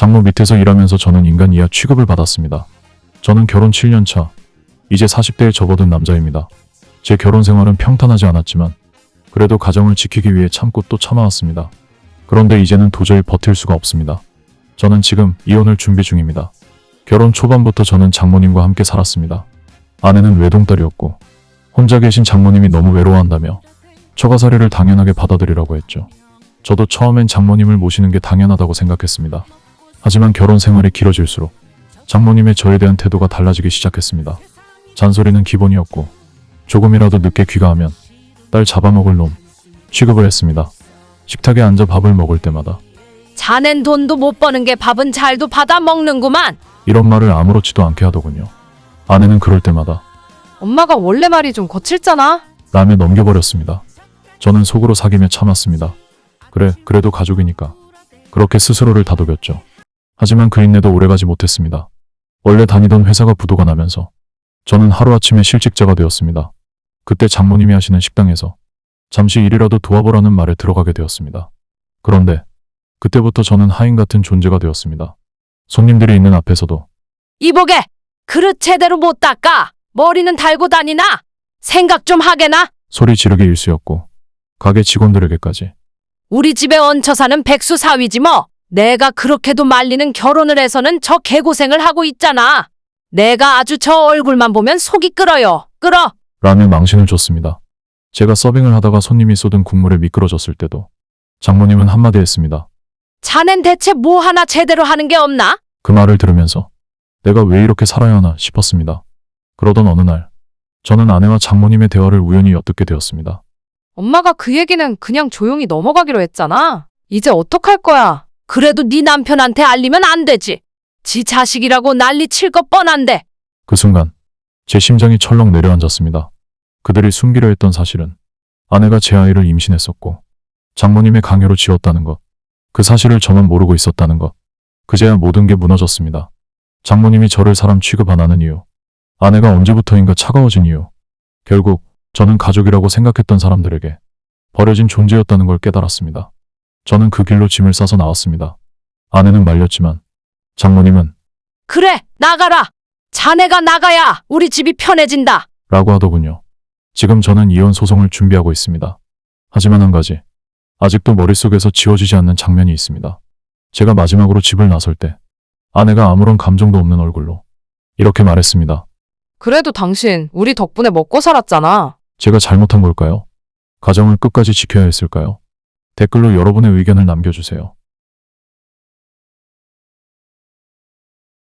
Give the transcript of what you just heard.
장모 밑에서 일하면서 저는 인간 이하 취급을 받았습니다. 저는 결혼 7년 차, 이제 40대에 접어든 남자입니다. 제 결혼 생활은 평탄하지 않았지만 그래도 가정을 지키기 위해 참고 또 참아왔습니다. 그런데 이제는 도저히 버틸 수가 없습니다. 저는 지금 이혼을 준비 중입니다. 결혼 초반부터 저는 장모님과 함께 살았습니다. 아내는 외동딸이었고 혼자 계신 장모님이 너무 외로워한다며 처가살이를 당연하게 받아들이라고 했죠. 저도 처음엔 장모님을 모시는 게 당연하다고 생각했습니다. 하지만 결혼 생활이 길어질수록 장모님의 저에 대한 태도가 달라지기 시작했습니다. 잔소리는 기본이었고 조금이라도 늦게 귀가하면 딸 잡아먹을 놈 취급을 했습니다. 식탁에 앉아 밥을 먹을 때마다 자넨 돈도 못 버는 게 밥은 잘도 받아 먹는구만. 이런 말을 아무렇지도 않게 하더군요. 아내는 그럴 때마다 엄마가 원래 말이 좀 거칠잖아. 라며 넘겨버렸습니다. 저는 속으로 사귀며 참았습니다. 그래도 가족이니까. 그렇게 스스로를 다독였죠. 하지만 그 인내도 오래가지 못했습니다. 원래 다니던 회사가 부도가 나면서 저는 하루아침에 실직자가 되었습니다. 그때 장모님이 하시는 식당에서 잠시 일이라도 도와보라는 말에 들어가게 되었습니다. 그런데 그때부터 저는 하인 같은 존재가 되었습니다. 손님들이 있는 앞에서도 이보게, 그릇 제대로 못 닦아. 머리는 달고 다니나? 생각 좀 하게나? 소리 지르기 일쑤였고 가게 직원들에게까지 우리 집에 얹혀 사는 백수 사위지 뭐. 내가 그렇게도 말리는 결혼을 해서는 저 개고생을 하고 있잖아. 내가 아주 저 얼굴만 보면 속이 끓어요. 끓어. 라며 망신을 줬습니다. 제가 서빙을 하다가 손님이 쏟은 국물에 미끄러졌을 때도 장모님은 한마디 했습니다. 자넨 대체 뭐 하나 제대로 하는 게 없나? 그 말을 들으면서 내가 왜 이렇게 살아야 하나 싶었습니다. 그러던 어느 날 저는 아내와 장모님의 대화를 우연히 엿듣게 되었습니다. 엄마가 그 얘기는 그냥 조용히 넘어가기로 했잖아. 이제 어떡할 거야? 그래도 네 남편한테 알리면 안 되지. 지 자식이라고 난리 칠 것 뻔한데. 그 순간 제 심장이 철렁 내려앉았습니다. 그들이 숨기려 했던 사실은 아내가 제 아이를 임신했었고 장모님의 강요로 지었다는 것, 그 사실을 저만 모르고 있었다는 것. 그제야 모든 게 무너졌습니다. 장모님이 저를 사람 취급 안 하는 이유, 아내가 언제부터인가 차가워진 이유, 결국 저는 가족이라고 생각했던 사람들에게 버려진 존재였다는 걸 깨달았습니다. 저는 그 길로 짐을 싸서 나왔습니다. 아내는 말렸지만 장모님은 그래, 나가라. 자네가 나가야 우리 집이 편해진다. 라고 하더군요. 지금 저는 이혼 소송을 준비하고 있습니다. 하지만 한 가지, 아직도 머릿속에서 지워지지 않는 장면이 있습니다. 제가 마지막으로 집을 나설 때 아내가 아무런 감정도 없는 얼굴로 이렇게 말했습니다. 그래도 당신 우리 덕분에 먹고 살았잖아. 제가 잘못한 걸까요? 가정을 끝까지 지켜야 했을까요? 댓글로 여러분의 의견을 남겨주세요.